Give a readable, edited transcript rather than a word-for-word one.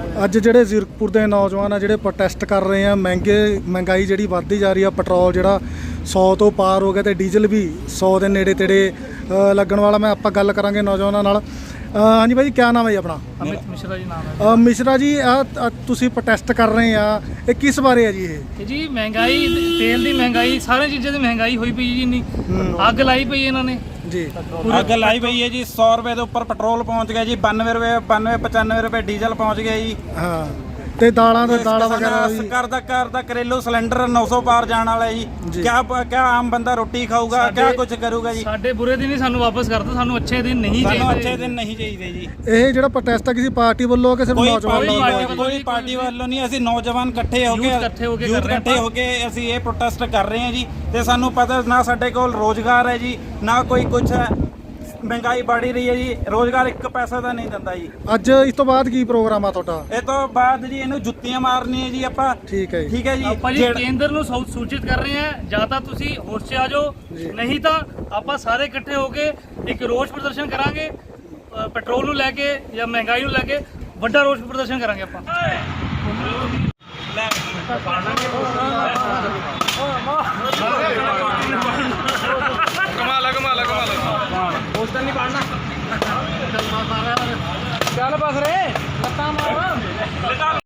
ਅੱਜ ਜਿਹੜੇ ਜ਼ੀਰਕਪੁਰ ਦੇ ਨੌਜਵਾਨ ਆ ਜਿਹੜੇ ਪ੍ਰੋਟੈਸਟ ਕਰ ਰਹੇ ਆ, ਮਹਿੰਗਾਈ ਜਿਹੜੀ ਵੱਧਦੀ ਜਾ ਰਹੀ ਆ, ਪੈਟਰੋਲ ਜਿਹੜਾ 100 ਤੋਂ ਪਾਰ ਹੋ ਗਿਆ ਤੇ ਡੀਜ਼ਲ ਵੀ 100 ਦੇ ਨੇੜੇ ਤੇੜੇ ਲੱਗਣ ਵਾਲਾ। ਮੈਂ ਆਪਾਂ ਗੱਲ ਕਰਾਂਗੇ ਨੌਜਵਾਨਾਂ ਨਾਲ। ਹਾਂਜੀ ਭਾਈ, ਕੀ ਨਾਮ ਹੈ ਜੀ ਆਪਣਾ? ਅਮਿਤ ਮਿਸ਼ਰਾ ਜੀ ਨਾਮ ਹੈ। ਮਿਸ਼ਰਾ ਜੀ, ਤੁਸੀਂ ਪ੍ਰੋਟੈਸਟ ਕਰ ਰਹੇ ਆ, ਇਹ ਕਿਸ ਬਾਰੇ ਹੈ ਜੀ? ਇਹ ਜੀ ਮਹਿੰਗਾਈ, ਤੇਲ ਦੀ ਮਹਿੰਗਾਈ, ਸਾਰੀਆਂ ਚੀਜ਼ਾਂ ਦੀ ਮਹਿੰਗਾਈ ਹੋਈ ਪਈ ਜੀ। ਇੰਨੀ ਅੱਗ ਲਾਈ ਪਈ ਇਹਨਾਂ ਨੇ ਜੀ। ਅੱਗ ਲਾਈ ਪਈ ਹੈ ਜੀ। 100 ਰੁਪਏ ਦੇ ਉੱਪਰ ਪੈਟਰੋਲ ਪਹੁੰਚ ਗਿਆ ਜੀ, 92 ਰੁਪਏ 95 ਰੁਪਏ ਡੀਜ਼ਲ ਪਹੁੰਚ ਗਿਆ ਜੀ। ਹਾਂ, ਤੇ ਦਾਲਾਂ ਵਗੈਰਾ ਵੀ ਘਰ ਦਾ ਘਰੇਲੂ ਸਿਲੰਡਰ 900 ਪਾਰ ਜਾਣ ਵਾਲਾ ਜੀ। ਕਿਆ ਆਮ ਬੰਦਾ ਰੋਟੀ ਖਾਊਗਾ, ਕਿਆ ਕੁਝ ਕਰੂਗਾ ਜੀ? ਸਾਡੇ ਬੁਰੇ ਦਿਨ ਹੀ ਸਾਨੂੰ ਵਾਪਸ ਕਰ ਦਿਓ, ਸਾਨੂੰ ਅੱਛੇ ਦਿਨ ਨਹੀਂ ਚਾਹੀਦੇ। ਸਾਨੂੰ ਅੱਛੇ ਦਿਨ ਨਹੀਂ ਚਾਹੀਦੇ ਜੀ। ਇਹ ਜਿਹੜਾ ਪ੍ਰੋਟੈਸਟ ਆ ਕਿਸੇ ਪਾਰਟੀ ਵੱਲੋਂ ਕਿ ਸਿਰਫ ਨੌਜਵਾਨ ਕੋਈ ਪਾਰਟੀ ਵੱਲੋਂ ਨਹੀਂ, ਅਸੀਂ ਨੌਜਵਾਨ ਇਕੱਠੇ ਹੋ ਕੇ ਅਸੀਂ ਇਹ ਪ੍ਰੋਟੈਸਟ ਕਰ ਰਹੇ ਹਾਂ ਜੀ। ਤੇ ਸਾਨੂੰ ਪਤਾ ਨਾ ਸਾਡੇ ਕੋਲ ਰੋਜ਼ਗਾਰ ਹੈ ਜੀ, ਨਾ ਕੋਈ ਕੁਝ ਹੈ। ਮਹਿੰਗਾਈ बढ़ ਰਹੀ ਹੈ ਜੀ, ਰੋਜ਼ਗਾਰ 1 ਪੈਸਾ ਦਾ ਨਹੀਂ ਦਿੰਦਾ ਜੀ। ਅੱਜ ਇਸ ਤੋਂ ਬਾਅਦ ਕੀ ਪ੍ਰੋਗਰਾਮ ਆ ਤੁਹਾਡਾ? ਇਹ ਤੋਂ ਬਾਅਦ ਜੀ ਇਹਨੂੰ ਜੁੱਤੀਆਂ ਮਾਰਨੀਆਂ ਜੀ ਆਪਾਂ। ਠੀਕ ਹੈ ਜੀ। ਆਪਾਂ ਜੀ ਕੇਂਦਰ ਨੂੰ ਸੂਚਿਤ ਕਰ ਰਹੇ ਹਾਂ, ਜਾਂ ਤਾਂ ਤੁਸੀਂ ਹੋਸ਼ 'ਚ ਆ ਜਾਓ, ਨਹੀਂ ਤਾਂ ਆਪਾਂ ਸਾਰੇ ਇਕੱਠੇ ਹੋ ਕੇ ਇੱਕ ਰੋਸ ਪ੍ਰਦਰਸ਼ਨ ਕਰਾਂਗੇ। ਪੈਟਰੋਲ ਨੂੰ ਲੈ ਕੇ ਜਾਂ ਮਹਿੰਗਾਈ ਨੂੰ ਲੈ ਕੇ ਵੱਡਾ ਰੋਸ ਪ੍ਰਦਰਸ਼ਨ ਕਰਾਂਗੇ ਆਪਾਂ। ਪੋਸਟਰ ਨਹੀਂ ਪਾੜਨਾ। ਚੱਲ ਬਸ ਰੇ ਲੱਤਾਂ ਮਾਰ।